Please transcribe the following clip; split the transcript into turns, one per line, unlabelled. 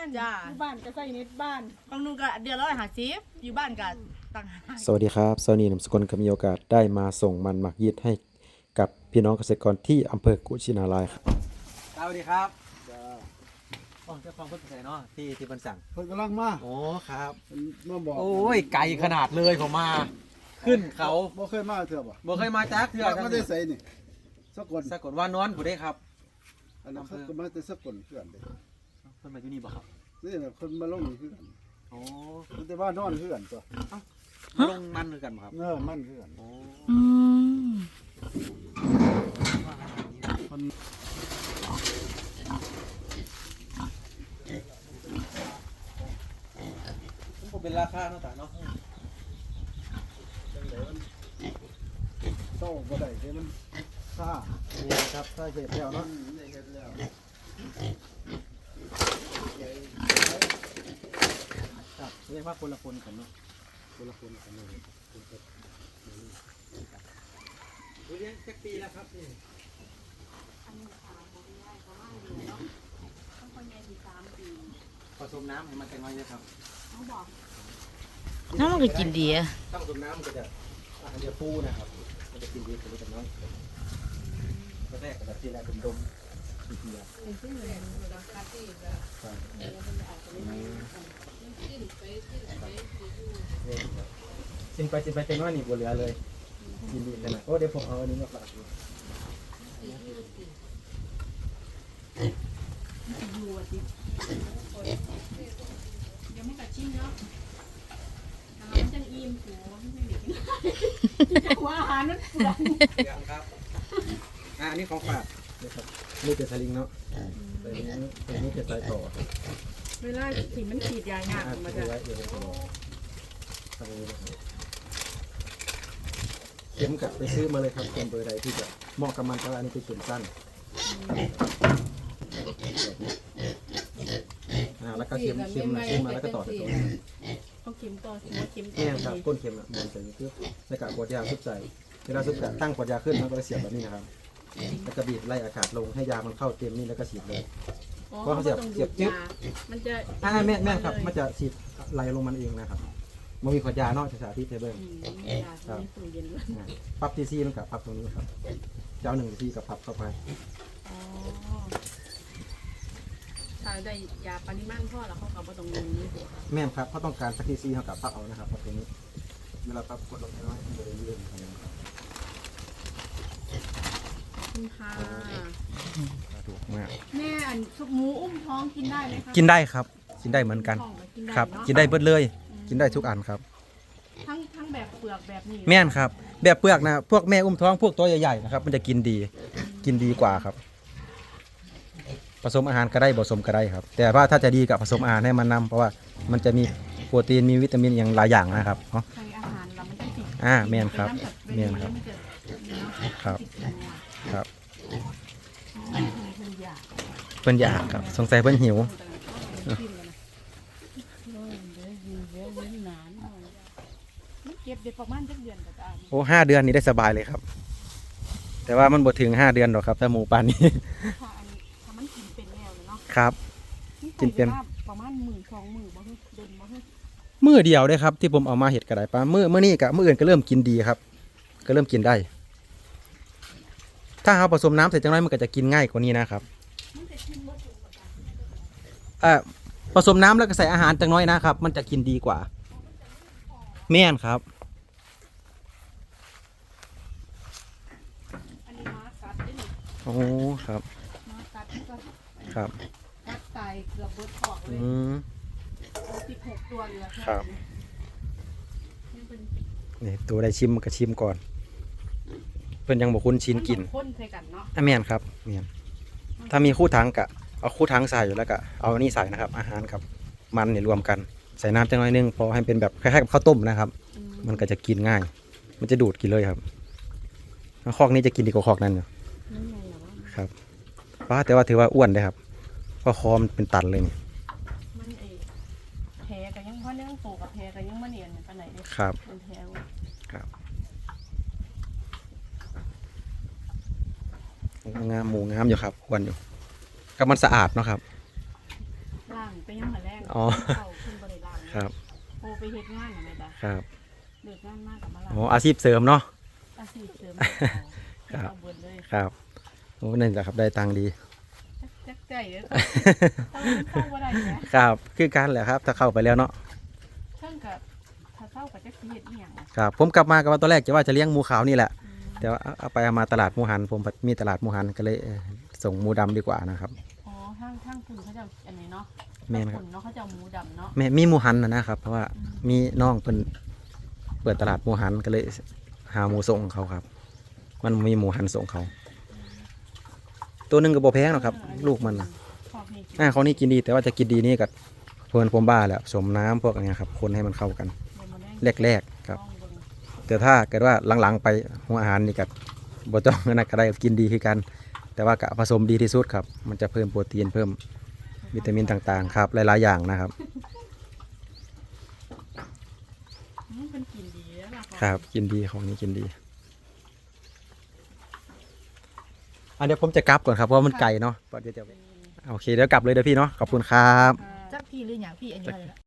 จ้า
อยู่บ้านก็ใส่เน็ตบ้าน
บางนู่นก็เดือนละ150อยู่บ้านก็ต่างหาก
สวัสดีครับสวัสดีนำสกุลก็มีโอกาสได้มาส่งมันหมักยีดให้กับพี่น้องเกษตรกรที่อำเภอกุชินารายครับ
สวัสดีครับอ๋อเจ้าของเพิ่นไปไหนเนาะที่เพิ่นสั่ง
เพิ่นกำลังมา
โอ้ครับ
เพิ่นมาบอก
โอ้ยไกลขนาดเลยผมมา ขึ้นเขา
บ่เคยมาเถื่อบ่
บ่เคยมาจักเทื่อ
มาได้ไสนี่สกล
สะกดว่านอนผู้ได้ครับ
อันนั้นเขาก็มาแต่สกลเพื่อนเด้
เพิ่นมาอยู่นี่บ่ครับ
นี่แหละคนมาลงนี่คือกัน
โอ้
มันแต่ว่านอนคือกันตัว
ลงมันคือกันบ่ครับ
มันคือกัน
โอ้
อืม
ผมเป็นราคาเนาะตาเนาะ
เศร้าบ่ได้เด้มันค่า
นี่ครับถ้าเสร็จแล้วเนาะ
ได้เฮ็ดแล้ว
ครับเรียกว่าคนละคนกันเนาะ
คนละคนกันเลย
เลี้ยงจักปีแล้วครับนี่ผสมน้ำให้มันแต่น้อยเลยครับ
น้ำมันก็กินดีอะ
ถ้าผสมน้ำมันก็จะอาหารจะฟูนะครับมันจะกินดีกว่าแต่น้อยก็แรกก็แบบที่แรกเป็นดมเบียร์กินไปเต็มว่านี่บัวเหลือเลยกินดีขนาดโอ้เดี๋ยวผมเอาอันนี้มาฝากดู
เดี๋ยวมันก็ชิมเนาะอาหารจังอิ่มหัวไม่ได้กินว่าอาหารมันเปลือง
ยังครับอันนี้ของฝากนี่ครับนี่เป็นสลิงเนาะแต่นี้เป็นสายต่อ
เวลาที่มันขีดยายากมา
ถื
จะ
อไว้เดี๋ยวผมทำนี้นะครับเข็มกับไปซื้อมาเลยครับเข็มเบอร์ใดที่จะเหมาะกับมันก็อันนี้เป็นเข็มสั้นแล้วก็เข็มมาแล้วก็ต่อจากตรงนี้
ต้องเข็มต่อหัวเข็มต่
นี่
อ
ครับก้นเข็มอ่ะมันจะคือในกากขวดยาซุบใส่เวลาซุบกะตั้งขวดยาขึ้นมันก็เสียบแบบนี้นะครับแล้วก็บีบไล่อากาศลงให้ยามันเข้าเต็มนี่แล้วก็ฉีดเลย
เพราะเขาเสียบจึ๊บมันจะ
แม่ครับมันจะฉีดไหลลงมันเองนะครับมันมีขวดยานอกจากสาธิตเทเบิล
ยาที่ตู้เย็นด้วย
ปรับทีซีมันกับปรับตรงนี้ครับเจ้า1 ทีกับปรับเข้าไป
อ๋อถ้าได้ยาปริมาณพ่อแล้วเขาก็บ่ต้องลงนี่หัว
แม่ครับเขาต้องการสักทีซีเขากับปรับเอานะครับปรับตรงนี้เวลาปรับกดลงไปน้อยมันจะได้ยืดครับ
คุณค่ะ
ถูกมาก
แม่อันซุปหมูอุ้มท้องกินได้ไหมคะ
กินได้ครับกินได้เหมือนกัน
ท้องก็กินได้
ครับ
เนาะ
กินได้เบิดเลย กินได้ทุกอันครับ
ทั้งแบบเปลือกแบบนี้
แม่นครับแบบเปลือกนะพวกแม่อุ้มท้องพวกตัวใหญ่ๆนะครับมันจะกินดีกว่าครับ ผสมอาหารก็ได้ผสมก็ได้ครับ แต่ว่าถ้าจะดีกับผสมอาหารให้มันนำเพราะว่ามันจะมีโปรตีนมีวิตามินอย่างหลายอย่างนะครับเนาะ
ใส่อาหารแล้วมันจะติด
แม่นครับ
เป็น
แม่น
น้ำ
ครับ
มันจะเนาะ
ครับ
ติดตัว
ครับ
เพิ่นอยาก
เพิ่นอยากครับสงสัยเพิ่นหิว
เก็บเด็กประมาณจักเดือนก็ได้
โอ้5 เดือนนี้ได้สบายเลยครับ แต่ว่ามันบ่ถึง5 เดือนหรอกครับถ้าหมูปานนี้
ถ้ามันกินเป็นแล้วเนาะ
ครับ กินเป็น
ประมาณ10,000-20,000บ่ฮึเดินบ่ฮึ
มื้อเดียวเด้ครับที่ผมเอามาเฮ็ดก็ได้ปลามื้อนี้กับมื้ออื่นก็เริ่มกินดีครับ ก็เริ่มกินได้ ถ้าเราผสมน้ำเสร็จจังไรมันก็จะกินง่ายกว่านี้นะครับผสมน้ำแล้วก็ใส่อาหารจังน้อยนะครับ มันจะกินดีกว่าแม่นครับ
อันนี้ม้ากัดได้นี่
โอ้ครับ
ม้ากัดมันก็
ครับ
กัดตายเกือบเบิดออกเล
อื
ย
ม
16ตัวเหลือแค่
ครับ
นี้เป็น
นี่ตัวได้ชิมก็ชิมก่อน เพิ่นยังบ่คุ้นชินกิน
ข้นใส่กันเนาะ
แม่นครับแม่นถ้ามีคู่ถังกะเอาคู่ถังใส่อยู่แล้วก็เอาอันนี้ใส่นะครับ อาหารกับมันเนี่ยรวมกันใส่น้ำจังน้อยนึงพอให้เป็นแบบคล้ายๆกับข้าวต้มนะครับ มันก็จะกินง่าย มันจะดูดกินเลยครับคอกนี้จะกินดีกว่าคอกนั้นอยู่
นั่นไงเหรอวะ
ครับว่าแต่ว่าถือว่าอ้วนเลยครับเพราะคอมนเป็นตันเลยนี่
มันแผลก็ยังเพราะเรื่องโตกับแผลก็ยังมาเนียนปานไหนเด้
ครับ
เป็นแผล
ครับงามหมูงามอยู่ครับอ้วนอยู่กับมันสะอาดเนาะครับ
รล่างไปยังหัวแรง
อ๋อ
เข้าขึ้นบริล่าง
ครับ
โอไปเฮ็ดงานอะไรบ้าง
ครับ
เลิกงานมากกับมาล่าง
โอ้อาชีพเสริมเนาะ
อาชีพเสริม
ครับ
เอาเบิดเลย
ครับโอ้นั่นแหละครับได้ตังค์ดี
จักใจเด้อเข้าบ่ได้แหม
ครับคือกันแหละครับถ้าเข้าไปแล้วเนาะ
เพิ่นกับถ้าเข้ากับจักสิเฮ็ดอีหยัง
ครับผมกลับมากับว่าตอนแรกจะว่าจะเลี้ยงหมูขาวนี่แหละแต่ว่าเอาไปเอามาตลาดหมูหันผมมีตลาดหมูหันก็เลยส่งหมูดำดีกว่านะครับ
อ๋อทางคุณเขาจะอันนี้เนาะ
แม่นครับ
ณเนาะเขาจะเอาหมูดำเนาะ
แม่มีหมูหันนะครับเพราะว่ามีน้องเพิ่นเปิดตลาดหมูหันก็เลยหาหมูส่งเขาครับ มันมีหมูหันส่งเขา ตัวหนึงก็บ่แพงหรอกครับ ลูกมันนะ
ชอบให้กิน
เขานี่กินดีแต่ว่าจะกินดีนี่กับเพิ่นผมบ้าแหละสมน้ำพวกเนี้ยครับคนให้มันเข้ากัน
เดี๋ยวมาได้
แรกๆครับ
ลองเบิ่ง
แต่ถ้าเกิดว่าหลังๆไปหัวอาหารนี่กับบ่ต้องนั่นก็ได้กินดีคือกัน แต่ว่ากะผสมดีที่สุดครับ มันจะเพิ่มโปรตีนเพิ่มวิตามินต่างๆครับหลายๆอย่างนะครับ
เป็นกินดีแล้วล่ะ
ครับกินดีของนี้กินดีเดี๋ยวผมจะกลับก่อนครับเพราะว่ามันไกลเนาะเดี๋ยวจะโอเคเดี๋ยวกลับเลยเด้อพี่เนาะขอบคุณครับ
ค่ะ
จักพี่หรืออย่างพี่อายุเท่าไหร่ละ